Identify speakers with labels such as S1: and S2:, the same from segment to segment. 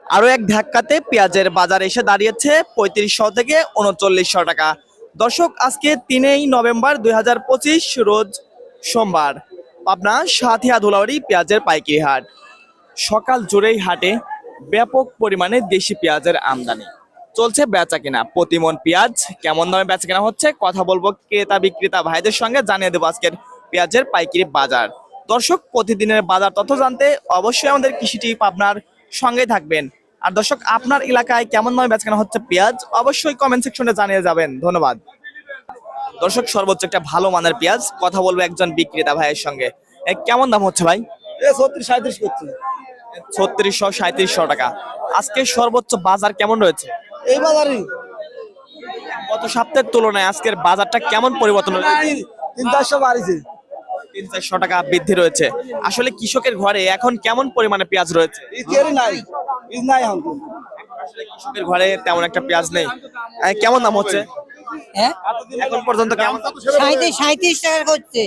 S1: আরো এক ধাক্কাতে পেঁয়াজের বাজার এসে দাঁড়িয়েছে ৩৫০০ থেকে ৩৯০০ টাকা। দর্শক, আজকে ৩ নভেম্বর ২০২৫ রোজ সোমবার, পাবনা সাথিয়া ধুলাউড়ি পেঁয়াজের পাইকারি হাট। সকাল জুড়েই হাটে ব্যাপক পরিমাণে দেশি পেঁয়াজের আমদানি চলছে। বেচা কিনা প্রতিমন পেঁয়াজ কেমন দামে বেচা কেনা হচ্ছে কথা বলবো ক্রেতা বিক্রেতা ভাইদের সঙ্গে, জানিয়ে দেবো আজকের পেঁয়াজের পাইকারি বাজার। দর্শক, প্রতিদিনের বাজার তথ্য জানতে অবশ্যই আমাদের কৃষি টিভি পাবনার সঙ্গে থাকবেন। আর দর্শক, আপনার এলাকায় কেমন দামে বেচা কেনা হচ্ছে পেঁয়াজ অবশ্যই কমেন্ট সেকশনে জানিয়ে যাবেন। ধন্যবাদ। দর্শক, সর্বোচ্চ একটা ভালো মানের পেঁয়াজ কথা বলবো একজন বিক্রেতা ভাইয়ের সঙ্গে। কেমন দাম হচ্ছে ভাই?
S2: 36-37 করছে
S1: ৩৬০০-৩৭০০ টাকা। আজকে সর্বোচ্চ বাজার কেমন রয়েছে?
S2: এই বাজারই
S1: গত সপ্তাহের তুলনায় আজকের বাজারটা কেমন পরিবর্তন হয়েছে?
S2: 300-400 বাড়িছে।
S1: ৩-৪০০ টাকা বৃদ্ধি রয়েছে। আসলে কৃষকের ঘরে এখন কেমন পরিমাণে পেঁয়াজ রয়েছে?
S2: ইতিহারি নাই, বীজ নাই এখন তো।
S1: আসলে কৃষকের ঘরে তেমন একটা পেঁয়াজ নেই। কেমন দাম হচ্ছে
S3: হ্যাঁ
S1: এখন পর্যন্ত? কেমন?
S3: 37 টাকা করছে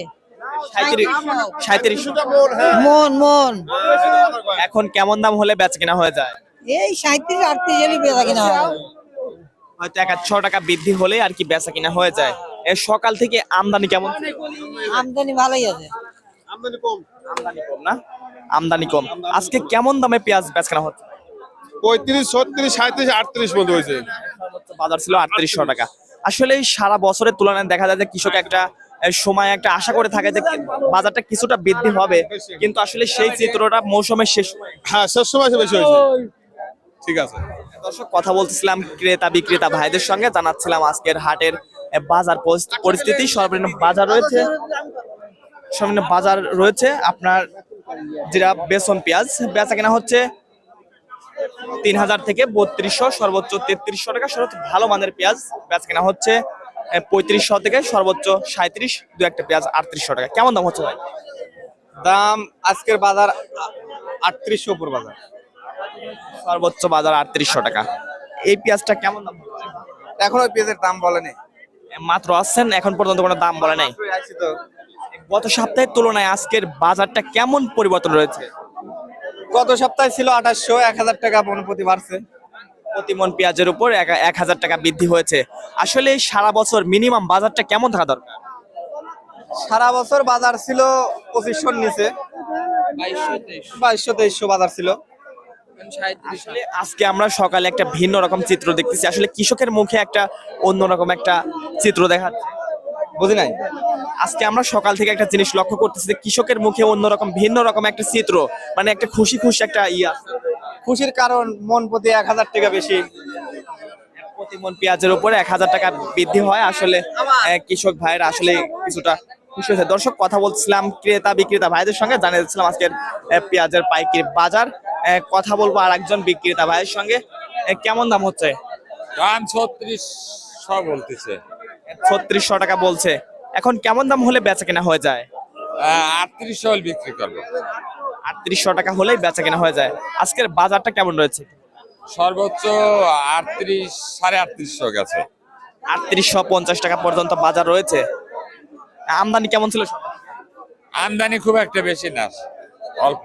S1: 37।
S3: মন মন
S1: এখন কেমন দাম হলে বেচা কিনা হয়ে যায়?
S3: এই 37-38 এরই বেচা কিনা হয়।
S1: হয়তো 1-100 টাকা বৃদ্ধি হলে আর কি বেচা কিনা হয়ে যায়। সকাল থেকে আমদানি কেমন?
S3: আমদানি ভালোই আছে।
S1: আমদানি কম না? আমদানি কম। আজকে কেমন দামে পেঁয়াজ বেচা কেনা হচ্ছে?
S4: 35, 36, 37, 38 মতো হয়েছে।
S1: বাজার ছিল ৩৮০০ টাকা। আসলে এই সারা বছরের তুলনায় দেখা যায় যে কৃষক একটা সময় একটা আশা করে থাকে যে বাজারটা কিছুটা বৃদ্ধি হবে, কিন্তু আসলে সেই চিত্রটা মৌসুমের শেষ সময়ে।
S4: হ্যাঁ, শেষ সময় এসে বেশি হয়েছে। ঠিক আছে।
S1: দর্শক, কথা বলতেছিলাম ক্রেতা বিক্রেতা ভাইদের সঙ্গে, জানাচ্ছিলাম আজকের হাটের বাজার পরিস্থিতি। সর্বনিম্ন বাজার রয়েছে আপনার যেটা বেসন পেঁয়াজ বেচা কেনা হচ্ছে ৩০০০ থেকে ৩২০০, সর্বোচ্চ ৩৩০০ টাকা। সর্বোচ্চ ভালো মানের পেঁয়াজ বেচা কেনা হচ্ছে ৩৫০০ থেকে সর্বোচ্চ ৩৭, দু একটা পেঁয়াজ ৩৮০০ টাকা। কেমন দাম হচ্ছে ভাই?
S2: দাম আজকের বাজার 3800 উপর বাজার।
S1: সর্বোচ্চ বাজার ৩৮০০ টাকা। এই পেঁয়াজটা কেমন দাম হচ্ছে?
S2: এখনো পেঁয়াজের দাম বলেনি।
S1: মাত্র আসছেন, এখন পর্যন্ত কোনো দাম বলে নাই। গত সপ্তাহের তুলনায় আজকের বাজারটা কেমন পরিবর্তন রয়েছে?
S2: গত সপ্তাহে ছিল 2800, 1000 টাকা প্রতি বাড়ছে।
S1: প্রতিমন পেঁয়াজের উপর ১০০০ টাকা বৃদ্ধি হয়েছে। আসলে এই সারা বছর মিনিমাম বাজারটা কেমন থাকা দরকার?
S2: সারা বছর বাজার ছিল 2500-র নিচে, 2200-2300 বাজার ছিল।
S1: আসলে আজকে আমরা সকালে একটা ভিন্ন রকম চিত্র দেখতেছি। আসলে কৃষকের মুখে একটা অন্যরকম একটা চিত্র দেখা যাচ্ছে।
S2: বুঝি নাই।
S1: আজকে আমরা সকাল থেকে একটা জিনিস লক্ষ্য করতেছি যে কৃষকের মুখে অন্যরকম ভিন্ন রকম একটা চিত্র, মানে একটা খুশি খুশি একটা ইয়া।
S2: খুশির কারণ মন প্রতি 1000 টাকা বেশি।
S1: প্রতিমন পেঁয়াজের উপরে ১০০০ টাকা বৃদ্ধি হয়। আসলে কৃষক ভাইয়ের আসলে কিছুটা খুশি হয়েছে। দর্শক, কথা বলছিলাম ক্রেতা বিক্রেতা ভাইদের সঙ্গে, জানিয়ে দিচ্ছিলাম আজকের পেঁয়াজের পাইকারি বাজার। কথা বলবো আর একজন বিক্রেতা ভাইয়ের সঙ্গে। কেমন দাম হচ্ছে?
S5: দাম 3600 বলতেছে।
S1: ৩৬০০ টাকা বলছে। এখন কেমন দাম হলে বেচা কেনা হয়ে যায়?
S5: 3800 হলে বিক্রি করবো।
S1: ৩৮০০ টাকা হলেই বেচা কেনা হয়ে যায়। আজকের বাজারটা কেমন রয়েছে?
S5: সর্বোচ্চ 38, 3850 গেছে।
S1: ৩৮৫০ টাকা পর্যন্ত বাজার রয়েছে। আমদানি কেমন ছিল?
S5: আমদানি খুব একটা বেশি না, অল্প।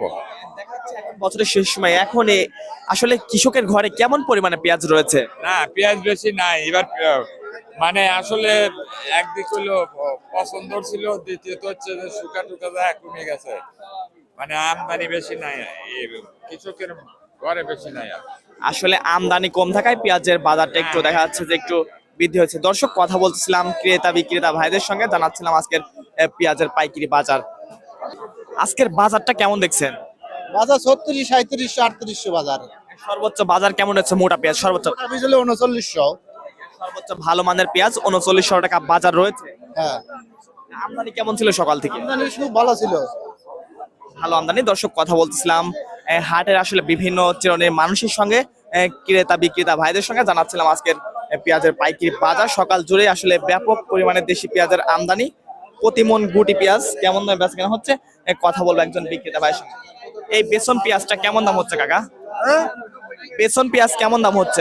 S1: বছরের শেষ সময় এখন আসলে কৃষকের ঘরে কেমন পরিমাণে পেঁয়াজ রয়েছে?
S5: না, পেঁয়াজ বেশি নাই এবার। মানে আসলে একদিক হলো পছন্দ ছিল, দ্বিতীয়ত হচ্ছে যে শুকা টুকা যা কমে গেছে। মানে আমদানি বেশি নাই, কৃষকের ঘরে বেশি নাই।
S1: আসলে আমদানি কম থাকায় পেঁয়াজের বাজারটা একটু দেখা যাচ্ছে যে একটু বৃদ্ধি হয়েছে। দর্শক, কথা বলছিলাম ক্রেতা বিক্রেতা ভাইদের সঙ্গে, জানাচ্ছিলাম আজকের পেঁয়াজের পাইকারি বাজার। আজকের বাজারটা কেমন দেখছেন?
S2: বাজার 36, 3700, 3800 বাজার।
S1: সর্বোচ্চ বাজার কেমন হচ্ছে মোটা পেঁয়াজ? সর্বোচ্চ
S2: 3900।
S1: সর্বোচ্চ ভালো মানের পেঁয়াজ ৩৯০০ টাকা বাজার রয়েছে।
S2: হ্যাঁ,
S1: আমদানি কেমন ছিল সকাল থেকে?
S2: আমদানি খুব ভালো ছিল।
S1: ভালো আমদানি। দর্শক, কথা বলতেছিলাম হাটের আসলে বিভিন্ন শ্রেণীর মানুষের সঙ্গে, ক্রেতা বিক্রেতা ভাইদের সঙ্গে, জানাচ্ছিলাম আজকের পেঁয়াজের পাইকারি বাজার। সকাল জুড়ে আসলে ব্যাপক পরিমাণে দেশি পেঁয়াজের আমদানি। প্রতিমন গুটি পেঁয়াজ কেমন দামে বেচা কেনা হচ্ছে কথা বলবো একজন বিক্রেতা ভাইয়ের সঙ্গে। এই বেসন পেঁয়াজটা কেমন দাম হচ্ছে কাকা? বেসন পেঁয়াজ কেমন দাম হচ্ছে?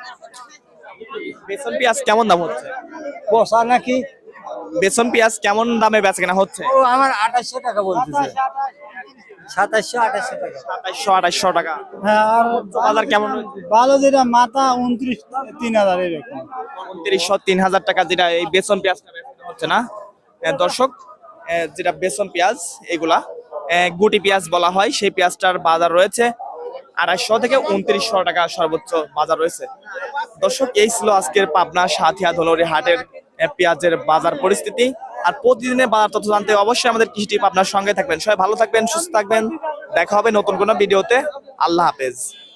S1: বেসন পেঁয়াজ কেমন দাম হচ্ছে?
S2: বসা নাকি?
S1: বেসন পেঁয়াজ কেমন দামে বেচা কেনা হচ্ছে?
S2: ও আমার 2800 টাকা বলতেছে। 2700 2800 টাকা
S1: 2700 2800 টাকা।
S2: হ্যাঁ আর
S1: বাজার কেমন হয়েছে?
S2: ভালো যেটা মাথা 29 3000 এরকম
S1: 2900 3000 টাকা যেটা এই বেসন পেঁয়াজটা বেচা হচ্ছে না দর্শক, যেটা বেসন পেঁয়াজ এগুলা গুটি পেঁয়াজ বলা হয়, সেই পেঁয়াজটার বাজার রয়েছে 250 থেকে 2900 টাকা সর্বোচ্চ বাজার রয়েছে। দর্শক, এই ছিল আজকের পাবনা সাথিয়া ধুলাউড়ি হাটের পেঁয়াজের বাজার পরিস্থিতি। আর প্রতিদিনের বাজার তথ্য জানতে অবশ্যই আমাদের কৃষি টিপ আপনার সঙ্গে থাকবেন। সবাই ভালো থাকবেন, সুস্থ থাকবেন, দেখা হবে নতুন কোনো ভিডিওতে। আল্লাহ হাফেজ।